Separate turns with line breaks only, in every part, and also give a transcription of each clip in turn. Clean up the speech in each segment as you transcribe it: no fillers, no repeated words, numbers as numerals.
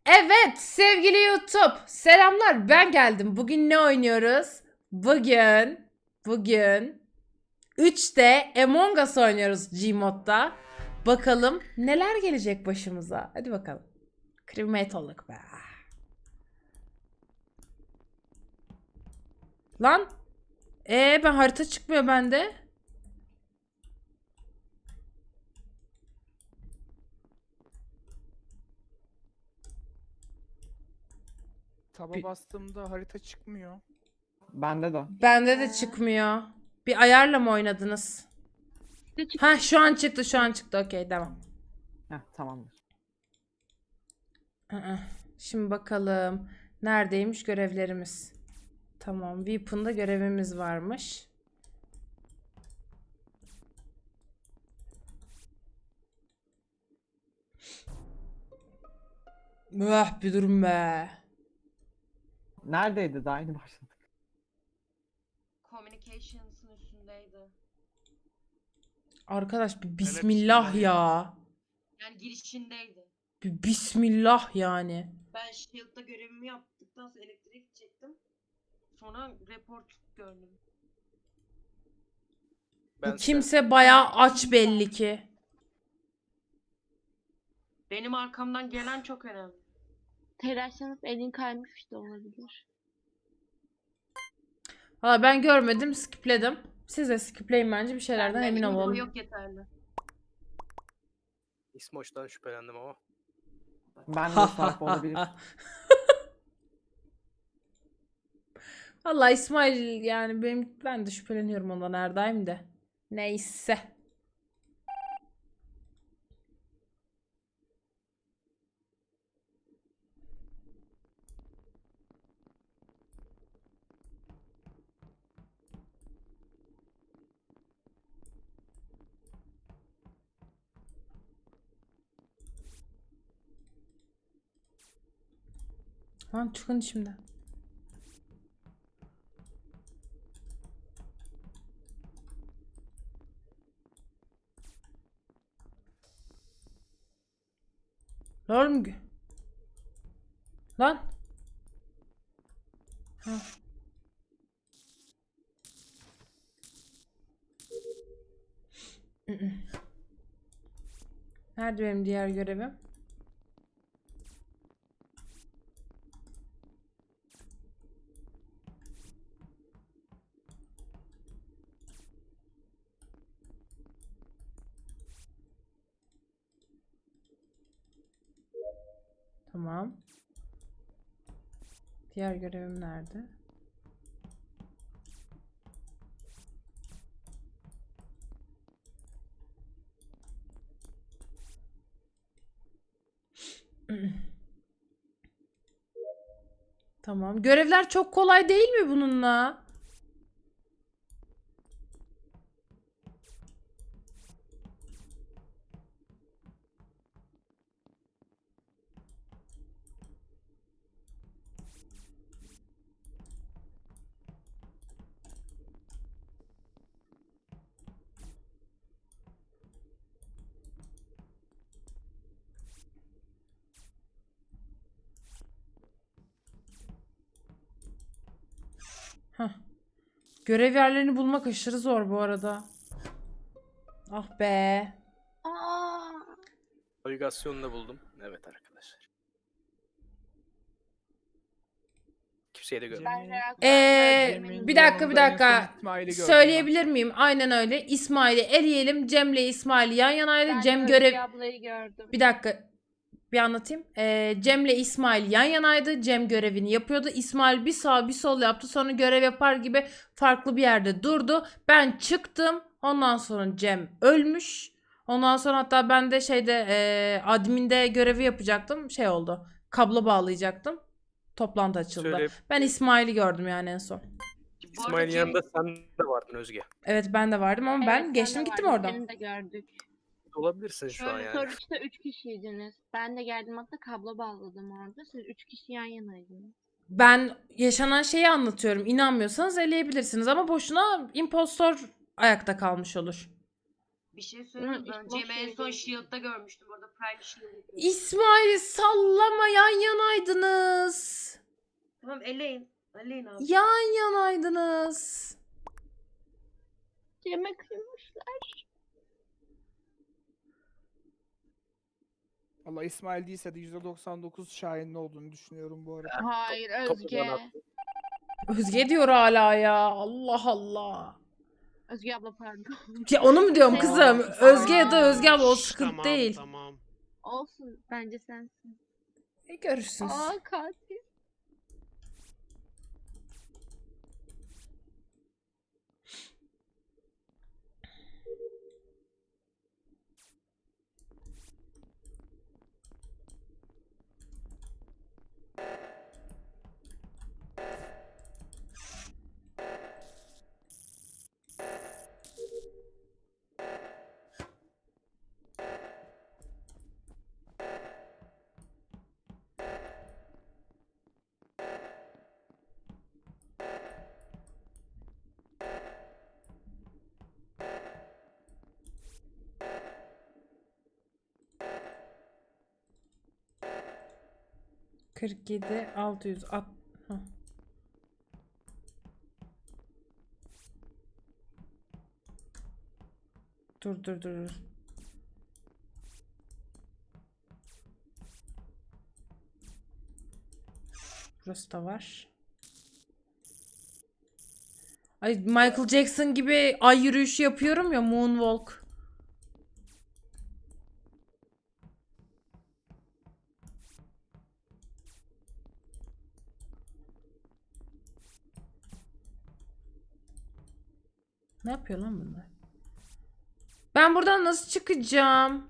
Evet sevgili YouTube. Selamlar, ben geldim. Bugün ne oynuyoruz? Bugün 3'te Among Us oynuyoruz Gmod'da. Bakalım neler gelecek başımıza. Hadi bakalım. Crewmate olduk be. Lan. Ben harita çıkmıyor bende.
Taba bastığımda harita çıkmıyor.
Bende de.
Bende de çıkmıyor. Bir ayarla mı oynadınız? Ha şu an çıktı. Okey devam.
Heh, tamamdır.
Şimdi bakalım. Neredeymiş görevlerimiz? Tamam. Weapon'da görevimiz varmış. Bir durum be.
Neredeydi? Daha yeni başladık.
Communications'ın üstündeydi.
Arkadaş bir bismillah ya.
Yani girişindeydi.
Bir bismillah yani.
Ben Shield'da görevimi yaptıktan sonra elektriğe gidecektim. Sonra report gördüm.
Bu kimse bayağı aç belli ki.
Benim arkamdan gelen çok önemli.
Telaşlanıp elin kaymış da olabilir.
Valla ben görmedim, skipledim. Siz de skipleyin bence, bir şeylerden emin
Info
olalım.
yok yeterli.
İsmoç'tan şüphelendim ama.
Ben de Sarp olabilir.
Valla İsmail yani ben de şüpheleniyorum ondan Erdayım de. Neyse. Lan çıkın şimdi. Lan oğlum. Lan. Ha. Nerede benim diğer görevim? Tamam. Diğer görevim nerede? Tamam. Görevler çok kolay değil mi bununla? Heh. Görev yerlerini bulmak aşırı zor bu arada. Ah be.
Aa,
Navigasyonunu da buldum. Evet arkadaşlar. Kimseyi de görmedim.
ben reaktörde
Cem'in
Bir dakika
yanında en son İsmail'i gördüm
Söyleyebilir miyim? Aynen öyle. İsmail'i eleyelim. Cem'le İsmail yan yanaydı.
ben
Cem
Özge
görev...
ablayı gördüm.
Bir dakika. Bir anlatayım. Cem'le İsmail yan yanaydı. Cem görevini yapıyordu. İsmail bir sağ bir sol yaptı. Sonra görev yapar gibi farklı bir yerde durdu. Ben çıktım. Ondan sonra Cem ölmüş. Ondan sonra hatta ben de adminde görevi yapacaktım. Şey oldu. Kablo bağlayacaktım. Toplantı açıldı.
Söyle.
Ben İsmail'i gördüm yani en son.
Bu arada
İsmail'in
Cem-
yanında sen de vardın Özge.
Evet ben de vardım ama
Evet,
ben
sen
geçtim
de
gittim
vardın,
oradan.
Seni de gördük.
Olabilirsin şu an yani.
Sonuçta 3 kişiydiniz. Ben de geldim hatta kablo bağladım orada. Siz 3 kişi yan yanaydınız.
Ben yaşanan şeyi anlatıyorum. İnanmıyorsanız eleyebilirsiniz ama boşuna impostor ayakta kalmış olur.
Bir şey söyleyeyim mi?
Hı,
Ben
boş
Cem'i en
ver
son
canım.
Shield'da görmüştüm. Orada Prime Shield yapıyordu.
İsmail sallama, yan yanaydınız.
Tamam eleyin. Eleyin abi.
Yan yanaydınız.
Cem'e kıymışlar.
Allah İsmail değilse de %99 Şahin'in olduğunu düşünüyorum bu arada.
Hayır
Topu
Özge.
bana attı.
Özge diyor hala ya. Allah Allah.
Özge abla pardon.
Ya onu mu diyorum kızım? Özge ya da Özge abla, o
Şşş,
sıkıntı
tamam,
değil.
Tamam.
Olsun bence sensin.
Görürsünüz.
Aa katil.
— 47 600 at. Hah. Dur. Burası da var. Ay, Michael Jackson gibi ay yürüyüşü yapıyorum ya, moonwalk. Ne yapıyor lan bunlar? Ben buradan nasıl çıkacağım?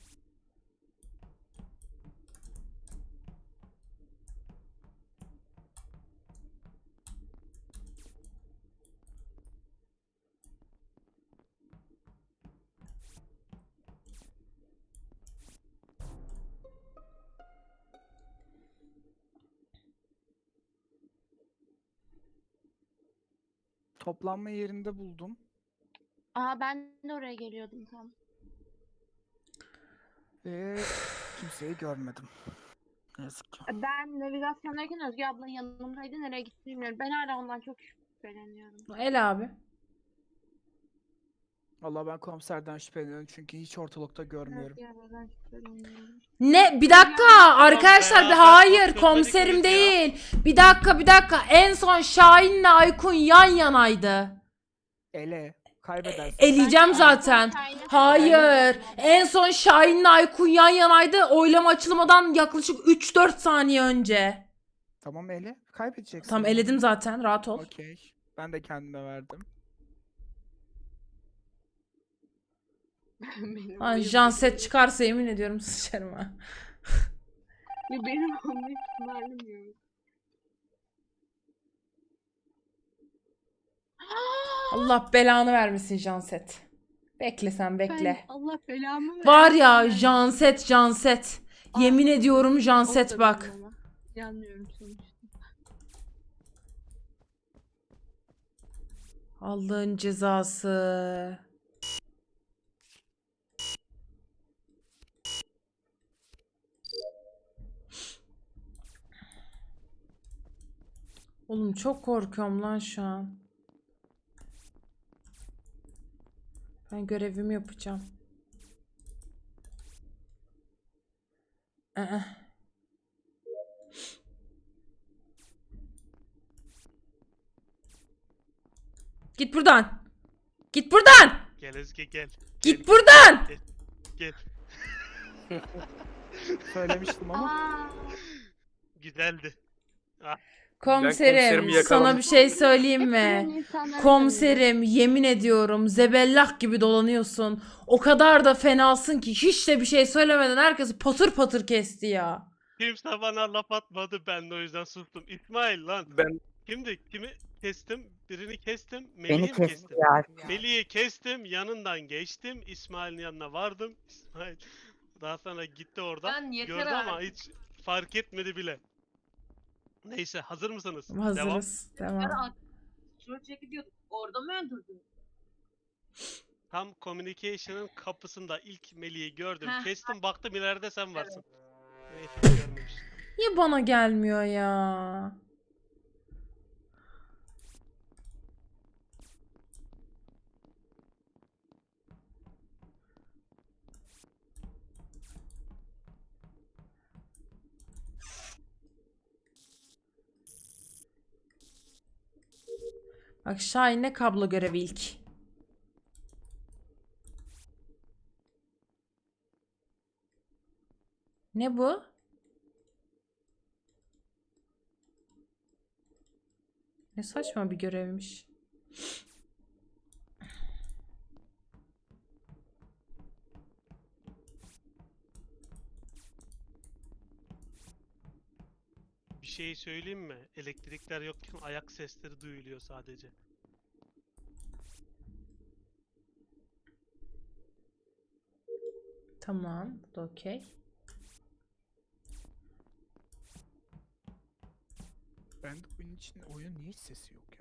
Toplanma yerinde buldum.
Aa ben de oraya geliyordum tam.
Ve kimseyi görmedim. Ne yazık ki.
Ben navigasyondayken Özge abla yanımdaydı. Nereye gitti bilmiyorum. Ben hala ondan çok şüpheleniyorum.
El abi.
Valla ben komiserden şüpheleniyorum çünkü hiç ortalıkta görmüyorum.
Özge abladan şüpheleniyorum.
Ne? Bir dakika arkadaşlar, bir
beraber
hayır,
bakıyorduk
komiserim
ikimiz ya.
değil. Bir dakika. En son Şahin'le Aykun yan yanaydı.
Ele kaybedersin.
Eleyeceğim
Bence
zaten.
en son Şahin'e
Hayır.
şüpheleniyorum.
En son Şahin'le Aykun yan yanaydı. Oylama açılmadan yaklaşık 3-4 saniye önce.
Tamam ele. Kaybedeceksin.
Tamam, eledim zaten. Rahat ol.
Okey. Ben de kendime verdim.
Benim
Lan
bu
Janset çıkarsa yemin ediyorum sıçarım ha.
Ya benim onun ihtimalim yok.
Allah belanı vermesin Janset. Bekle sen, bekle.
Ben Allah belamı versin.
Var ya Janset. Yemin ediyorum Janset
Olsa
bak.
benim ama. Yanmıyorum sonuçta.
Allah'ın cezası. Oğlum çok korkuyorum lan şu an. Ben görevimi yapacağım. Aa. Git buradan. Git buradan.
Gel Özge gel.
Git buradan.
Gel.
Söylemiştim ama.
Aa,
Güzeldi.
Komiserim,
komiserimi
sana
yakaladım.
bir şey söyleyeyim mi?
hepsinin insanları
Komiserim, yemin ediyorum zebellah gibi dolanıyorsun. O kadar da fenasın ki hiç de bir şey söylemeden herkesi patır patır kesti ya.
Kimse bana laf atmadı, ben de o yüzden sustum. İsmail lan.
Ben
Kimi kestim? Birini kestim.
Beni
Melih'i mi
kesti
kestim?
ya.
Melih'i kestim, yanından geçtim. İsmail'in yanına vardım. İsmail daha sonra gitti oradan.
Ben yeter
Gördü ama
artık.
hiç fark etmedi bile. Neyse, hazır mısınız? Devam.
Hazırız. Devam.
Troll çekip diyorduk. Orada mı öldürdün?
Tam communication'ın kapısında ilk Melih'i gördüm.
Heh.
Kestim baktım ileride sen varsın. Neyse görmemiştim.
Niye bana gelmiyor ya? Bak Şahin'le kablo görevi ilk. Ne bu? Ne saçma bir görevmiş.
Bir şey söyleyeyim mi? Elektrikler yokken ayak sesleri duyuluyor sadece.
Tamam, bu da okey.
Ben de oyun için oyun niye hiç sesi yok ya?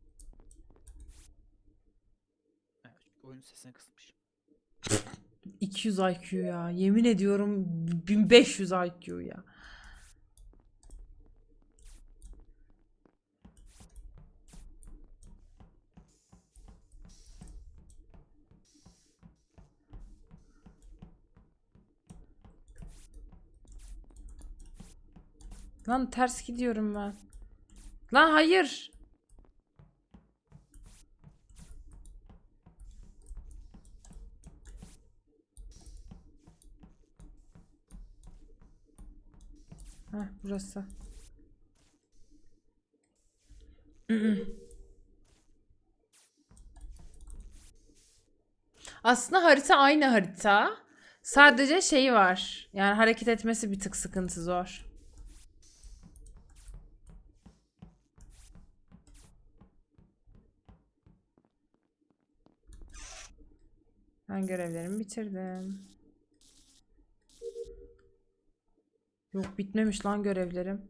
Evet, çünkü oyun sesini kısmış.
200 IQ ya. Yemin ediyorum 1500 IQ ya. Lan ters gidiyorum ben. Lan hayır. Heh, burası. Aslında harita aynı harita. Sadece şey var. Yani hareket etmesi bir tık sıkıntı zor. Ben görevlerimi bitirdim. Yok bitmemiş lan görevlerim.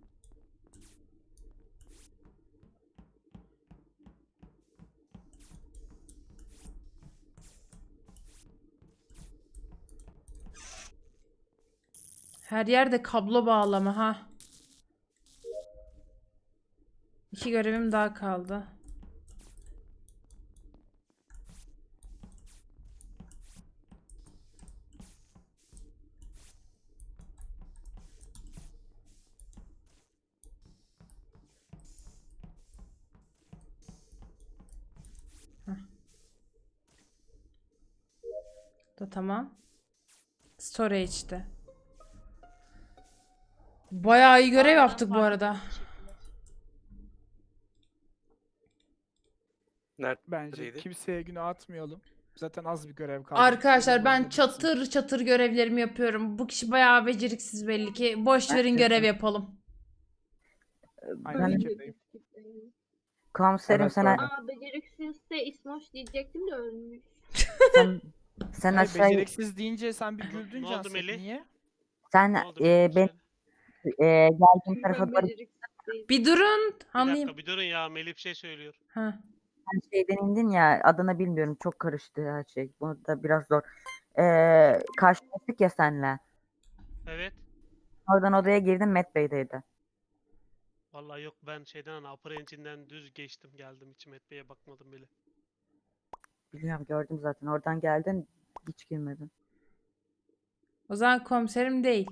Her yerde kablo bağlama ha. 2 görevim daha kaldı. Da tamam. Storage'de. Bayağı iyi görev yaptık bu arada.
Bence
Neredeydi?
kimseye günah atmayalım. Zaten az bir görev kaldı.
Arkadaşlar
Bitirelim,
ben
oyunda bitsin.
çatır çatır görevlerimi yapıyorum. Bu kişi bayağı beceriksiz belli ki. Boş verin görev yapalım.
Aynı fikirdeyim.
Komiserim
Evet,
sen,
öyle.
Aa beceriksizse İsmoş diyecektim de ölmüş.
sen
Hayır,
aşağıya
beceriksiz deyince sen bir güldün
Ne oldu
Canset.
Melih?
Niye?
sen
Ne oldu Melih?
ben
Söyle.
geldiğim tarafa
Ben
doğru
beceriksiz değilim.
Bir durun.
Bir
Anlayayım.
dakika bir durun ya Melih bir şey söylüyor.
Ha.
şeyden indin ya, adını bilmiyorum, çok karıştı her şey. Bunu da biraz zor. Karşılaştık ya senle.
Evet.
Oradan odaya girdim, Met Bey'deydi.
Vallahi yok ben şeyden Upper Engine'den düz geçtim geldim hiç Met bakmadım bile.
Biliyorum, gördüm zaten. Oradan geldin, hiç girmedin.
O zaman komiserim değil.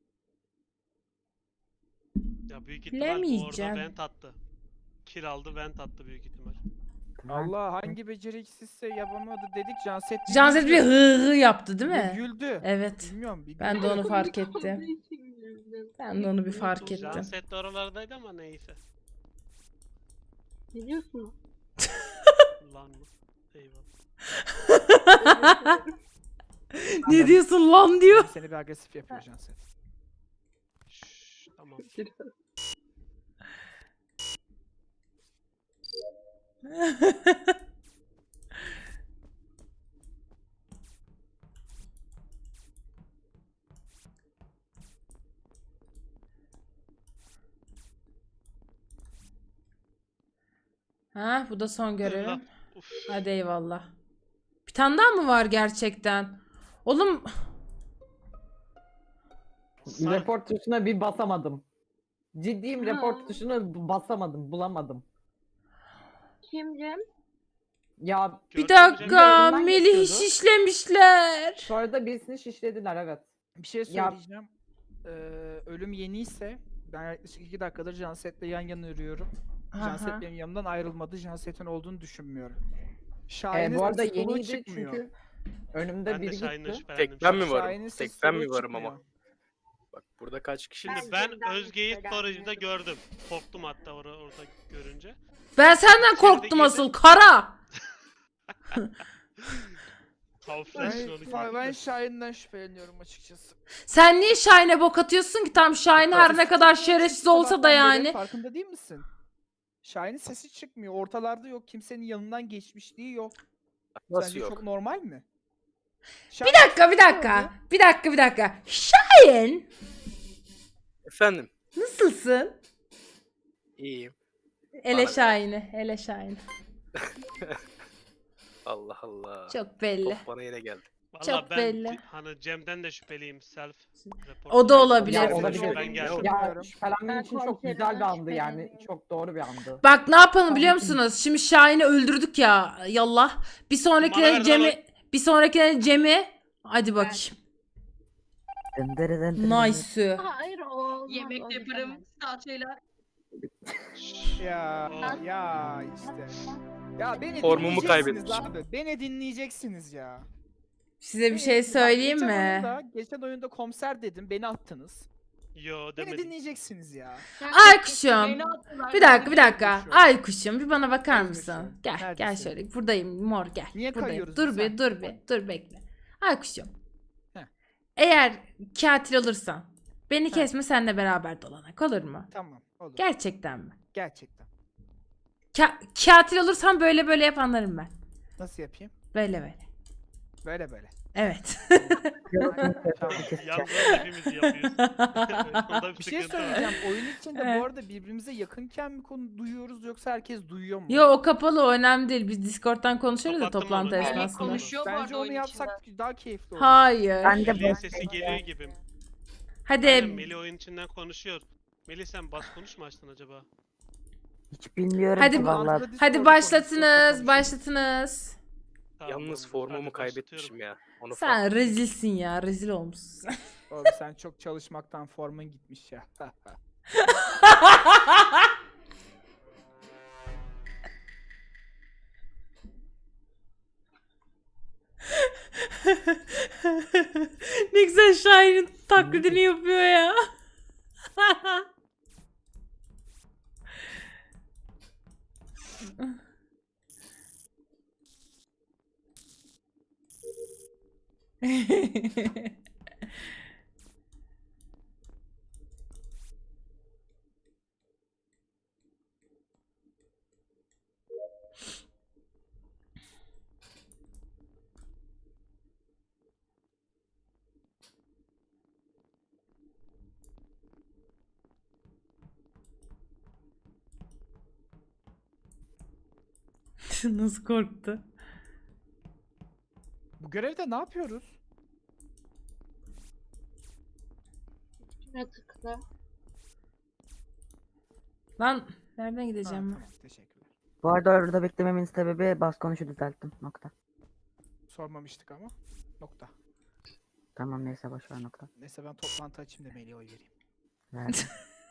Ya büyük ihtimal bu orada
Bilemeyeceğim.
vent attı. Kill aldı vent attı büyük ihtimal.
Allah, hangi beceriksizse yapamadı dedik. Canset
Janset bir
güldü.
hı hı yaptı değil
Bir
mi?
güldü.
Evet.
Bilmiyorum, bir
Ben de
güldü.
onu fark
Komik olduğu
ettim.
için güldüm.
Ben de onu bir fark ettim.
Janset de oralardaydı ama neyse.
Ne diyorsun?
Lan mı? Eyvallah.
Ne diyorsun lan diyor.
Seni bir agresif yapıyor Canset.
Şşş, tamam.
Ha, bu da son görevim.
Uf.
Hadi eyvallah. Bir tane daha mı var gerçekten? Oğlum
Report tuşuna bir basamadım. Ciddiyim, report tuşuna basamadım, bulamadım.
Kim Cem?
Ya
bir
Gördün mü
dakika
Cem?
Melih'i
Geçiyordu.
şişlemişler.
sonra da birisini şişlediler, evet.
Bir şey
Ya-
söyleyeceğim. Ölüm yeniyse ben yaklaşık 2 dakikadır Janset'le yan yana yürüyorum.
Aha.
Janset benim yanımdan ayrılmadı. Janset'in olduğunu düşünmüyorum. Şahin'in
Bu arada
sesi soluğu
yeniydi
çıkmıyor.
çünkü önümde
Ben de
biri
Şahin'le
gitti.
şüphelendim.
Tek ben mi
Şahin'in
varım?
sesi
Tek ben mi
soluğu
varım ama?
çıkmıyor.
Bak burada kaç kişi?
Şimdi
Ben
ben
Cem'den
Özge'yi
şüphelendim.
storage'da gördüm. Korktum hatta orada görünce.
Ben senden
İçeride
korktum
girdim.
asıl kara.
Camouflage onu
Ben
gördüm.
Şahin'den şüpheleniyorum açıkçası.
Sen niye Şahin'e bok atıyorsun ki? Tam Şahin her ne kadar şerefsiz olsa da
Sabahtan beri
yani.
Farkında değil misin? Şahin'in sesi çıkmıyor. Ortalarda yok. Kimsenin yanından geçmişliği yok.
Nasıl
Sence
yok?
çok normal mi?
Bir dakika. Şahin
Efendim?
nasılsın?
İyiyim.
Ele
Bana-
Şahin'i.
Allah Allah.
Çok belli.
Top bana yine geldi.
Valla
Çok
ben
belli.
hani Cem'den de şüpheliyim. Self report.
O da olabilir.
Ya,
Ben
olabilir.
Ben geldim.
Yok.
Ya
Bilmiyorum.
şüphelenmem
Ben
için çok
komiserimden
güzel bir andı yani.
şüpheleniyorum.
Çok doğru bir andı.
Bak ne yapalım biliyor
Tamam.
musunuz? Şimdi Şahin'i öldürdük ya. Yallah. Bir
Bana
sonrakine
ver
Cem'i. Hadi bakayım.
Dındırı dındırı.
Nice.
Hayır o olmaz.
Yemek
o
yaparım,
gidemez.
salçayla.
Ya işte. Ya beni
Formumu
dinleyeceksiniz
kaybetmişim.
abi. Beni dinleyeceksiniz ya.
Size bir
Beni-
şey
bak,
söyleyeyim
geçen
mi?
geçen oyunda komiser dedim. Beni attınız.
Yo
Beni
demedim.
dinleyeceksiniz ya.
Aykuş'um.
Beni attılar.
Bir dakika.
Konuşuyorum.
Aykuş'um bir bana bakar
Konuşuyorum.
mısın? Gel
Neredesin?
şöyle. Buradayım mor gel.
Niye
Buradayım.
kayıyoruz
Dur
biz,
bir
ha?
dur bekle. Aykuş'um.
Heh.
Eğer katil olursan beni
Heh.
kesme seninle beraber dolanak olur mu?
Tamam olur.
Gerçekten mi?
Gerçekten.
Katil olursan böyle yap anlarım ben.
Nasıl yapayım?
Böyle.
Böyle böyle.
Evet.
Tamam.
Yalnız hepimiz yapıyoruz. Onda
Bir şey
sıkıntı var.
söyleyeceğim. Oyun içinde
Evet.
bu arada birbirimize yakınken mi konu duyuyoruz yoksa herkes duyuyor mu?
Yo o kapalı o önemli değil. Biz Discord'dan konuşuyoruz da
Kapattım
toplantı
onu.
esnasında.
Konuşuyor bu arada
Bence onu
oyun
yapsak daha keyifli olur.
Hayır.
Ben de
Melih'in
bu
sesi geliyor gibi.
Hadi
Aynen, Melih oyun içinden konuşuyor. Melih sen bas konuş mu açtın acaba?
hiç bilmiyorum
Hadi
ki
bu-
vallahi.
hadi başlatınız.
Tamam,
Yalnız
hadi
formumu
başlatıyorum.
kaybetmişim ya. Onu
Sen rezilsin ya. Rezil olmuşsun.
Oğlum sen çok çalışmaktan formun gitmiş ya.
Ne güzel Şahin'in taklidini yapıyor ya. Nasıl korktu?
Bu görevde ne yapıyoruz?
Şuna tıkla.
Lan nereden
Ha,
gideceğim ben?
tamam, teşekkürler.
Bu arada orada beklememin sebebi bas konuşu düzelttim. Nokta.
Sormamıştık ama. Nokta.
Tamam neyse boşver nokta.
Neyse ben toplantı açayım da Melih'e oy vereyim.
Verdim.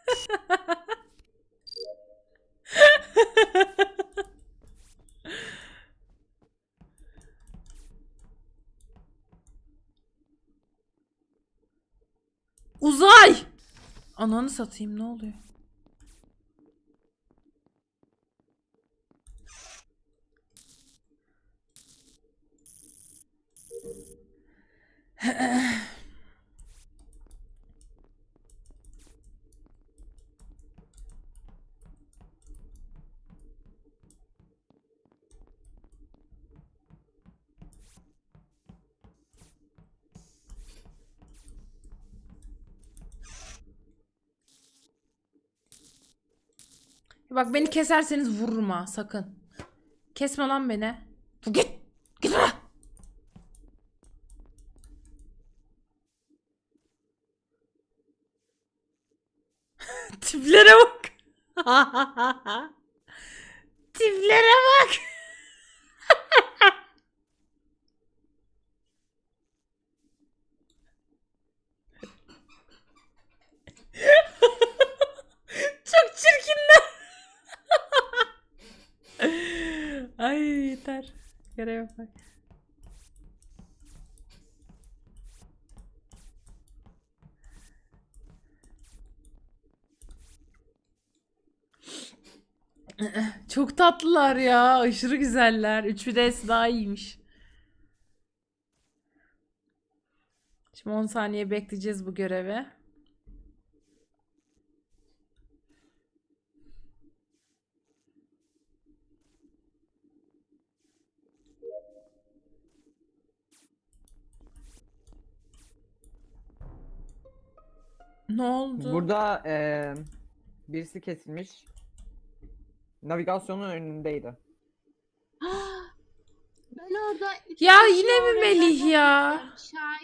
Uzay! Ananı satayım ne oluyor? Bak beni keserseniz vururum ha sakın. Kesme lan beni. Git. Git buraya. Tiplere bak. Tiplere bak. Çok çirkinler. Ay yeter. Görev bak. Çok tatlılar ya. Aşırı güzeller. 3'ü daha iyiymiş. Şimdi 10 saniye bekleyeceğiz bu görevi. Ne oldu?
Burada birisi kesilmiş. Navigasyonun önündeydi.
Ben orada üç
Ya
kişi
yine mi
oraya
Melih ya?
gittim.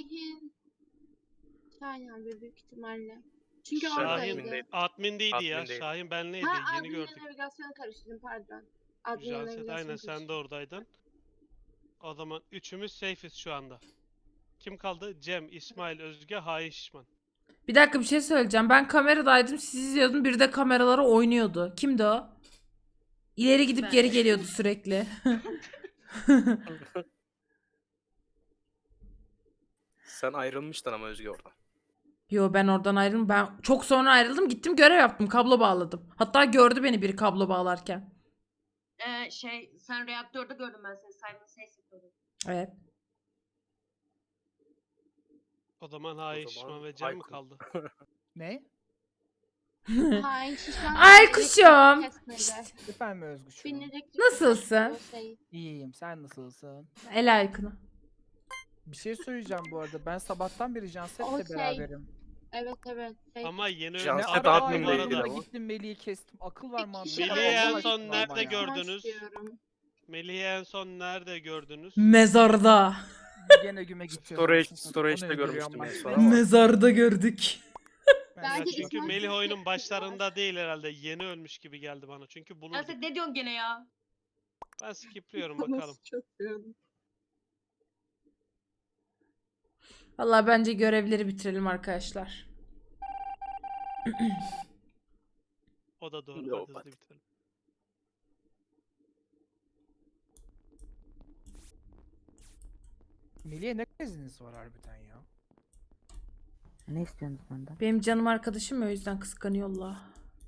Şahin abi büyük ihtimalle. Çünkü
Şahin
oradaydı.
admindeydi.
Admindeydi ya.
Admindeydi.
Şahin benleydi.
Ha
Yeni
adminle
gördük.
navigasyonu karıştırdım pardon. Adminle
Janset
navigasyonu
aynen sen de
karıştırdım.
oradaydın. O zaman üçümüz safe'iz şu anda. Kim kaldı? Cem, İsmail, Özge, Hain Şişman.
Bir dakika bir şey söyleyeceğim. Ben kameradaydım, siz izliyordun. Biri de kameralara oynuyordu. Kimdi o? İleri gidip
Ben.
geri geliyordu sürekli.
Sen ayrılmıştın ama Özge oradan.
Yo ben oradan ayrıldım. Ben çok sonra ayrıldım. Gittim görev yaptım. Kablo bağladım. Hatta gördü beni biri kablo bağlarken.
Sen reaktörde gördüm ben seni. Simon Says yapıyordun.
Evet.
O zaman Hain Şişman ve Cem mi
Aykut.
kaldı?
Ne?
Hain şişman.
Ay
elektrik
kuşum.
kesmedi.
Efendim Özgüş'üm.
Bin elektrik
Nasılsın?
kesmedi, o şey.
İyiyim. Sen nasılsın?
El aykını.
Bir şey söyleyeceğim bu arada. Ben sabahtan beri
O
Janset'le
şey.
beraberim.
Evet evet. Şey.
Ama yeni
Janset
Ne
Abi,
ara
adminle
bu
aynı
ilgili
arada
anda
ama.
gittim Melih'i kestim. Akıl var mantık var.
Melih'i en
Allah
son
aşkına ama
nerede
ya.
gördünüz?
Diyorum.
Melih'i en son nerede gördünüz?
Mezarda.
Gene güme gidiyoruz.
Storage'de
Onu
görmüştüm
öldürüyorum
en son
ben.
ama.
Mezarda gördük.
Ben
Ya
Bence
çünkü
İsmail
Melih
Sesi
oyunun
var.
başlarında değil herhalde. Yeni ölmüş gibi geldi bana. Çünkü bulunduk.
Janset ne diyorsun gene ya?
Ben skipliyorum bakalım.
Çok diyorum.
Vallahi bence görevleri bitirelim arkadaşlar.
O da doğru.
Yok,
Hadi hızlı bitirelim.
Melih'e ne kriziniz var harbiden ya?
Ne istiyorsunuz benden?
Benim canım arkadaşım ya, o yüzden kıskanıyorlar.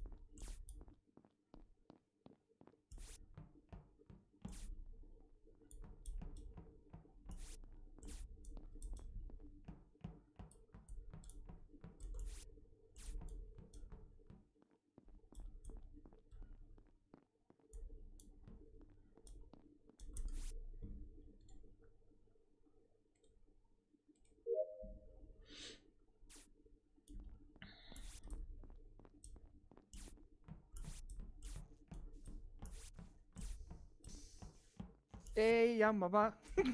Ey yan baba.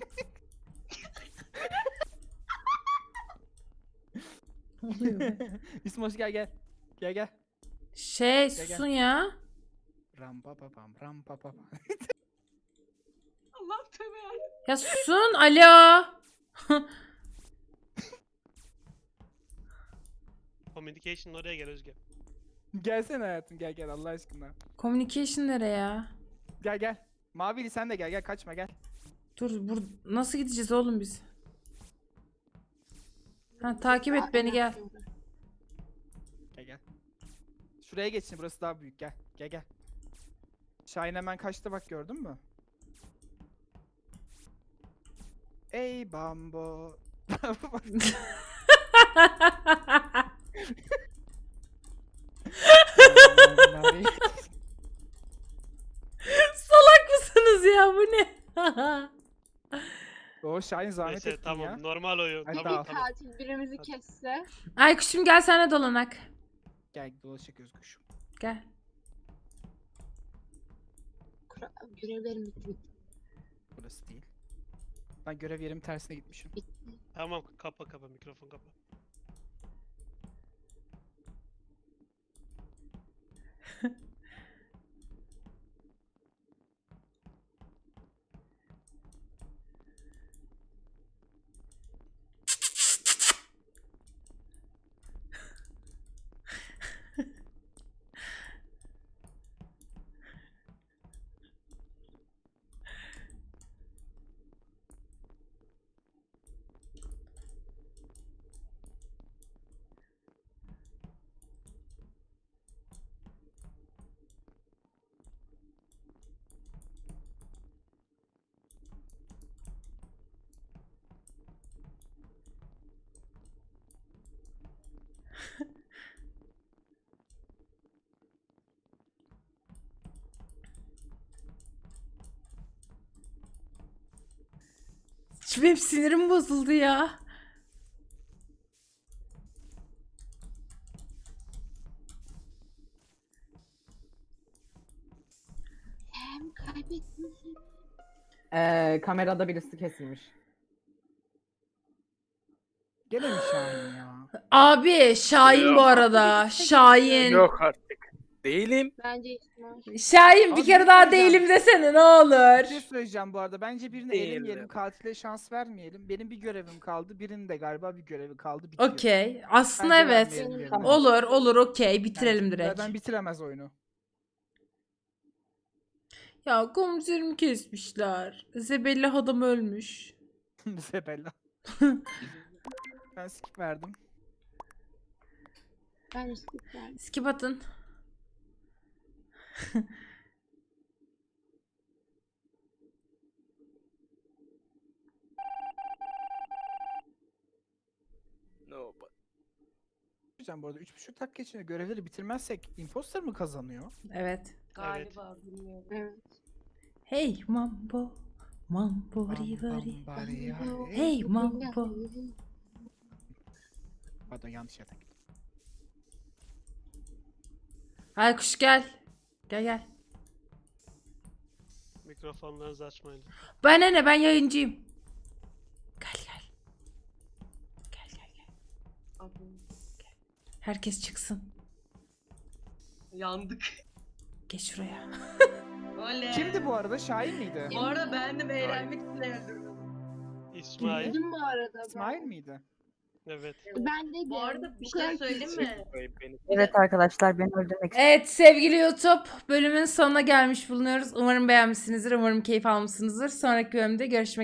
İsmoş gel gel. Gel gel.
Şey
Gel, gel.
susun ya.
Ram pa pa pam ram pa pa pam.
Allah tövbe ya.
Ya susun. Alo.
Communication oraya gel Özge.
Gelsene hayatım gel gel Allah aşkına.
Communication nereye ya?
Gel gel. Mavili sen de gel gel kaçma gel.
Dur nasıl gideceğiz oğlum biz? Ha, takip et beni gel.
Gel gel. Şuraya geçsin burası daha büyük gel. Gel gel. Şahin hemen kaçtı bak gördün mü? Ey bambo.
Salak mısınız ya, bu ne?
O Şahin zahmet
Neyse
ettin
tamam
ya.
normal oyun.
Hadi
Tamam
daha.
tamam.
Katil birimizi kesse.
Ay kuşum gel sen de dolanak.
Gel dolaşık Özgüş.
Gel.
Görevlerim bitti.
Burası değil. Ben görev yerim tersine gitmişim.
Tamam kapa mikrofon kapa.
Benim sinirim bozuldu ya.
Hem kaybettin seni.
Kamerada birisi kesilmiş.
Gene mi Şahin ya?
Abi Şahin bu
Yok.
arada. Şahin.
Yok artık. Değilim.
Bence İsmail.
Şahin bir
Abi
kere
bir
daha
şey diyeceğim.
değilim desene ne
Bir
olur.
şey söyleyeceğim bu arada. Bence birini
Değilim.
elemeyelim. Katile şans vermeyelim. Benim bir görevim kaldı. Birinin de galiba bir görevi kaldı. Bitiyor.
Okey. Aslında
Bence
evet.
vermeyelim birini.
Tamam.
Olur okey bitirelim
Yani
direkt.
zaten bitiremez oyunu.
Ya komiserimi kesmişler. Zebellah adam ölmüş.
Zebella. Ben skip verdim.
Ben de skip verdim.
Skip atın.
No,
Hocam bu arada 3,5 dakika içinde görevleri bitirmezsek imposter mı kazanıyor?
Evet.
Galiba bilmiyorum.
Evet.
Hey mambo. Mambo rivari.
Bari
Hey mambo.
Pardon yanlış yerden gittim.
Aykuş gel. Gel.
Mikrofonlarınızı açmayın.
Bana ne ben yayıncıyım. Gel.
Abi,
Herkes çıksın.
yandık.
Geç şuraya.
Oley.
Kimdi bu arada? Şahin miydi?
Bu arada beğendim eğlenmek için öldürdüm.
İsmail.
Bildim bu arada.
İsmail miydi?
Evet.
Ben de
Bu arada bir
Bu kadar
şey söyleyeyim mi?
Beni
Evet arkadaşlar beni öldürmek
Evet sevgili YouTube bölümün sonuna gelmiş bulunuyoruz. Umarım beğenmişsinizdir. Umarım keyif almışsınızdır. Sonraki bölümde görüşmek